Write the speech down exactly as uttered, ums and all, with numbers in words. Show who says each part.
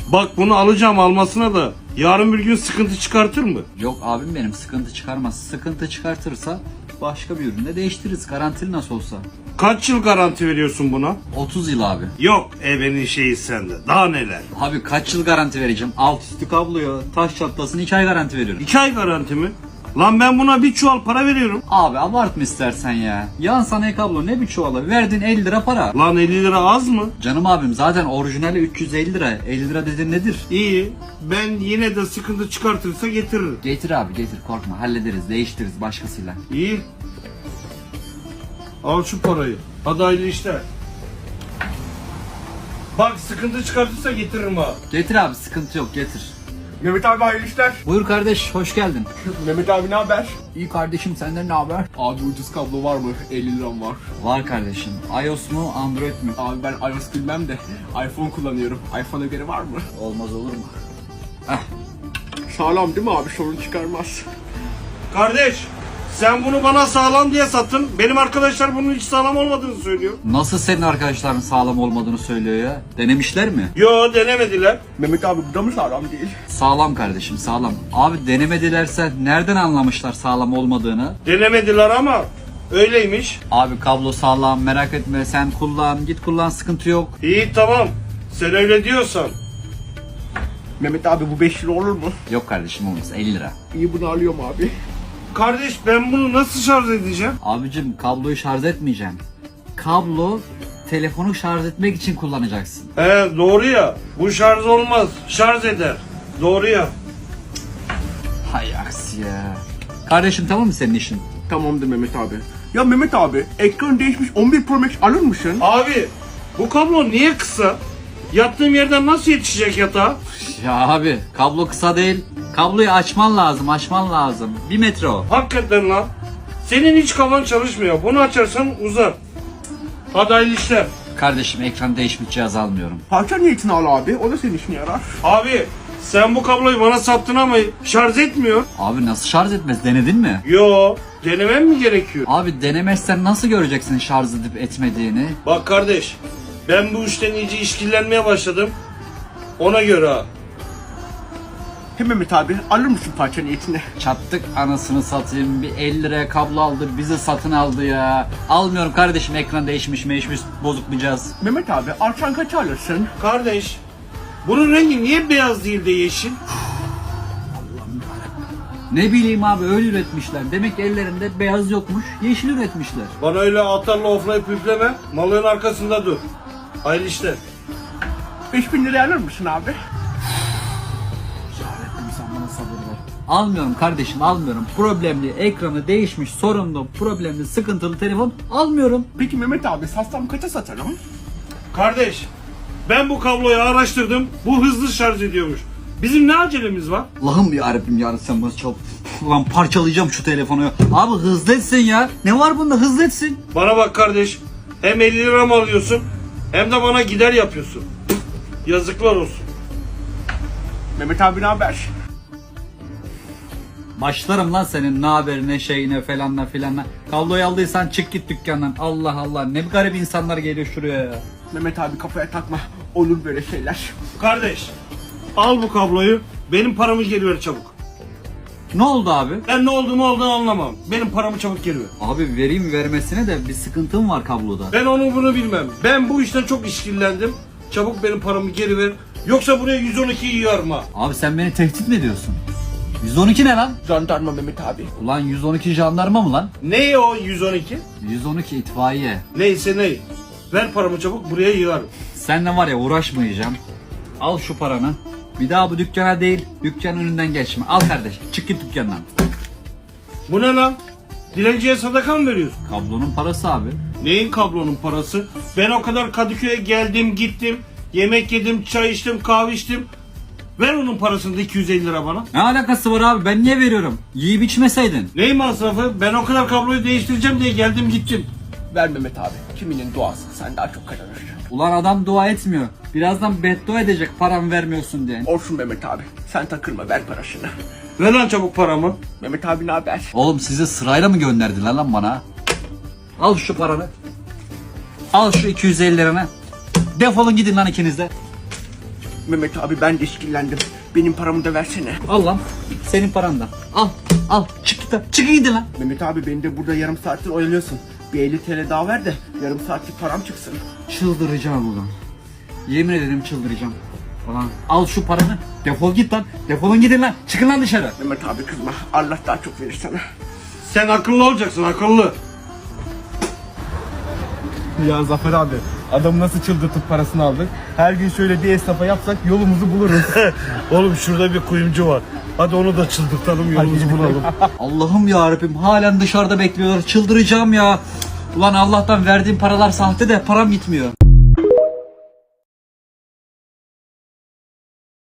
Speaker 1: Bak bunu alacağım almasına da yarın bir gün sıkıntı çıkartır mı?
Speaker 2: Yok abim benim, sıkıntı çıkarmaz. Sıkıntı çıkartırsa başka bir ürünle değiştiririz. Garantili nasıl olsa.
Speaker 1: Kaç yıl garanti veriyorsun buna?
Speaker 2: otuz yıl abi.
Speaker 1: Yok ebenin şeyi sende. Daha neler?
Speaker 2: Abi kaç yıl garanti vereceğim? Alt üstü kabloya, taş çatlasın iki ay garanti veriyorum.
Speaker 1: İki ay garanti mi? Lan ben buna bir çuval para veriyorum.
Speaker 2: Abi abartma istersen ya. Yan sanayi kablo ne bir çuvala? Verdin elli lira para.
Speaker 1: Lan elli lira az mı?
Speaker 2: Canım abim zaten orijinali üç yüz elli lira. elli lira dedin nedir?
Speaker 1: İyi. Ben yine de sıkıntı çıkartırsa getiririm.
Speaker 2: Getir abi getir, korkma, hallederiz, değiştiririz başkasıyla.
Speaker 1: İyi. Al şu parayı. Hadi hayırlı işler. Bak sıkıntı çıkartırsa getiririm ha.
Speaker 2: Getir abi, sıkıntı yok, getir.
Speaker 3: Mehmet abi hayırlı işler.
Speaker 2: Buyur kardeş, hoş geldin.
Speaker 3: Mehmet abi ne haber?
Speaker 2: İyi kardeşim, senden ne haber?
Speaker 3: Abi ucuz kablo var mı? elli liram var.
Speaker 2: Var kardeşim. iOS mu Android mu?
Speaker 3: Abi ben iOS bilmem de iPhone kullanıyorum. iPhone'a göre var mı?
Speaker 2: Olmaz olur mu?
Speaker 3: Sağlam değil mi abi? Sorun çıkarmaz.
Speaker 1: Kardeş sen bunu bana sağlam diye sattın. Benim arkadaşlar bunun hiç sağlam olmadığını söylüyor.
Speaker 2: Nasıl senin arkadaşların sağlam olmadığını söylüyor ya? Denemişler mi?
Speaker 1: Yo denemediler.
Speaker 3: Mehmet abi bu da mı sağlam değil?
Speaker 2: Sağlam kardeşim, sağlam. Abi denemedilerse nereden anlamışlar sağlam olmadığını?
Speaker 1: Denemediler ama öyleymiş.
Speaker 2: Abi kablo sağlam, merak etme, sen kullan, git kullan, sıkıntı yok.
Speaker 1: İyi tamam. Sen öyle diyorsan.
Speaker 3: Mehmet abi bu beş lira olur mu?
Speaker 2: Yok kardeşim, olmaz, elli lira.
Speaker 3: İyi bunu alıyorum abi.
Speaker 1: Kardeş ben bunu nasıl şarj edeceğim?
Speaker 2: Abicim kabloyu şarj etmeyeceğim. Kablo telefonu şarj etmek için kullanacaksın.
Speaker 1: He doğru ya. Bu şarj olmaz. Şarj eder. Doğru ya.
Speaker 2: Hay aksi ya. Kardeşim tamam mı senin işin?
Speaker 3: Tamamdır Mehmet abi. Ya Mehmet abi ekran değişmiş on bir Pro Max alır mısın?
Speaker 1: Abi bu kablo niye kısa? Yattığım yerden nasıl yetişecek yatağa?
Speaker 2: Ya abi kablo kısa değil. Kabloyu açman lazım, açman lazım. Bir metre o.
Speaker 1: Hakikaten lan. Senin hiç kafan çalışmıyor. Bunu açarsan uzar. Hadi hayırlı işler.
Speaker 2: Kardeşim ekran değişmiş cihaz almıyorum.
Speaker 3: Parça niyetini al abi. O da senin işine yarar.
Speaker 1: Abi sen bu kabloyu bana sattın ama şarj etmiyor.
Speaker 2: Abi nasıl şarj etmez, denedin mi?
Speaker 1: Yo denemem mi gerekiyor?
Speaker 2: Abi denemezsen nasıl göreceksin şarj edip etmediğini?
Speaker 1: Bak kardeş ben bu işten iyice işkillenmeye başladım. Ona göre ha.
Speaker 3: He Mehmet abi alır mısın parça niyetini?
Speaker 2: Çattık anasını satayım, bir elli liraya kablo aldı, bizi satın aldı ya. Almıyorum kardeşim, ekran değişmiş meşmiş bozuk bir cihaz.
Speaker 3: Mehmet abi alsan kaç alırsın?
Speaker 1: Kardeş bunun rengi niye beyaz değil de yeşil?
Speaker 2: Ne bileyim abi, öyle üretmişler. Demek ki ellerinde beyaz yokmuş, yeşil üretmişler.
Speaker 1: Bana öyle atarla oflayıp üfleme. Malın arkasında dur. Hayırlı işler.
Speaker 3: beş bin liraya alır mısın abi?
Speaker 2: Sen bana sabır ver. Almıyorum kardeşim, almıyorum. Problemli, ekranı değişmiş, sorunlu, problemli, sıkıntılı telefon almıyorum.
Speaker 3: Peki Mehmet abi satsam kaça satarım?
Speaker 1: Kardeş ben bu kabloyu araştırdım. Bu hızlı şarj ediyormuş. Bizim ne acelemiz var?
Speaker 2: Allah'ım yarabbim ya, sen bana çal. Ulan parçalayacağım şu telefonu ya. Abi hızlı etsin ya. Ne var bunda, hızlı etsin.
Speaker 1: Bana bak kardeş. Hem elli lira mı alıyorsun hem de bana gider yapıyorsun. Yazıklar olsun.
Speaker 3: Mehmet abi ne haber?
Speaker 2: Başlarım lan senin ne haber ne şeyine falanla filanla. Kabloyu aldıysan çık git dükkandan. Allah Allah, ne garip insanlar geliyor şuraya ya.
Speaker 3: Mehmet abi kafaya takma. Olur böyle şeyler.
Speaker 1: Kardeş al bu kabloyu. Benim paramı geri ver çabuk.
Speaker 2: Ne oldu abi?
Speaker 1: Ben ne olduğunu olduğunu anlamam. Benim paramı çabuk geri ver.
Speaker 2: Abi vereyim vermesine de bir sıkıntım var kabloda.
Speaker 1: Ben onu bunu bilmem. Ben bu işten çok işkillendim. Çabuk benim paramı geri ver. Yoksa buraya yüz on ikiyi yığarım ha.
Speaker 2: Abi sen beni tehdit mi ediyorsun? yüz on iki ne lan?
Speaker 3: Jandarma Mehmet abi.
Speaker 2: Ulan yüz on iki jandarma mı lan?
Speaker 1: Ne o yüz on iki?
Speaker 2: yüz on iki itfaiye.
Speaker 1: Neyse ney. Ver paramı çabuk buraya yığarım.
Speaker 2: Seninle var ya uğraşmayacağım. Al şu paranı. Bir daha bu dükkana değil, dükkanın önünden geçme. Al kardeş, çık git dükkandan.
Speaker 1: Bu ne lan? Dilenciye sadaka mı veriyorsun?
Speaker 2: Kablonun parası abi.
Speaker 1: Neyin kablonun parası? Ben o kadar Kadıköy'e geldim gittim. Yemek yedim, çay içtim, kahve içtim. Ver onun parasını da iki yüz elli lira bana.
Speaker 2: Ne alakası var abi, ben niye veriyorum? Yiyip içmeseydin.
Speaker 1: Neyin masrafı? Ben o kadar kabloyu değiştireceğim diye geldim gittim.
Speaker 3: Ver Mehmet abi. Kiminin duası sen daha çok kazanır.
Speaker 2: Ulan adam dua etmiyor. Birazdan beddua edecek paramı vermiyorsun diye.
Speaker 3: Olsun Mehmet abi. Sen takılma ver parasını.
Speaker 1: Ver lan çabuk paramı.
Speaker 3: Mehmet abi ne haber?
Speaker 2: Oğlum sizi sırayla mı gönderdiler lan bana? Al şu paranı. Al şu iki yüz elli liranı. Defolun gidin lan ikiniz de.
Speaker 3: Mehmet abi ben de işkillendim. Benim paramı da versene.
Speaker 2: Al lan. Senin paran da. Al. Al. Çık git lan. Çık gidin lan.
Speaker 3: Mehmet abi beni de burada yarım saattir oyalıyorsun. Bir elli TL daha ver de yarım saatlik param çıksın.
Speaker 2: Çıldıracağım ulan. Yemin ederim çıldıracağım. Ulan al şu paranı. Defol git lan. Defolun gidin lan. Çıkın lan dışarı.
Speaker 3: Mehmet abi kızma. Allah daha çok verir sana.
Speaker 1: Sen akıllı olacaksın, akıllı.
Speaker 4: Ya Zafer abi, adamı nasıl çıldırtıp parasını aldık? Her gün şöyle bir esnafa yapsak yolumuzu buluruz.
Speaker 1: Oğlum şurada bir kuyumcu var. Hadi onu da çıldırtalım, yolumuzu bulalım.
Speaker 2: Allah'ım yarabbim halen dışarıda bekliyorlar. Çıldıracağım ya. Ulan Allah'tan verdiğim paralar sahte de param gitmiyor.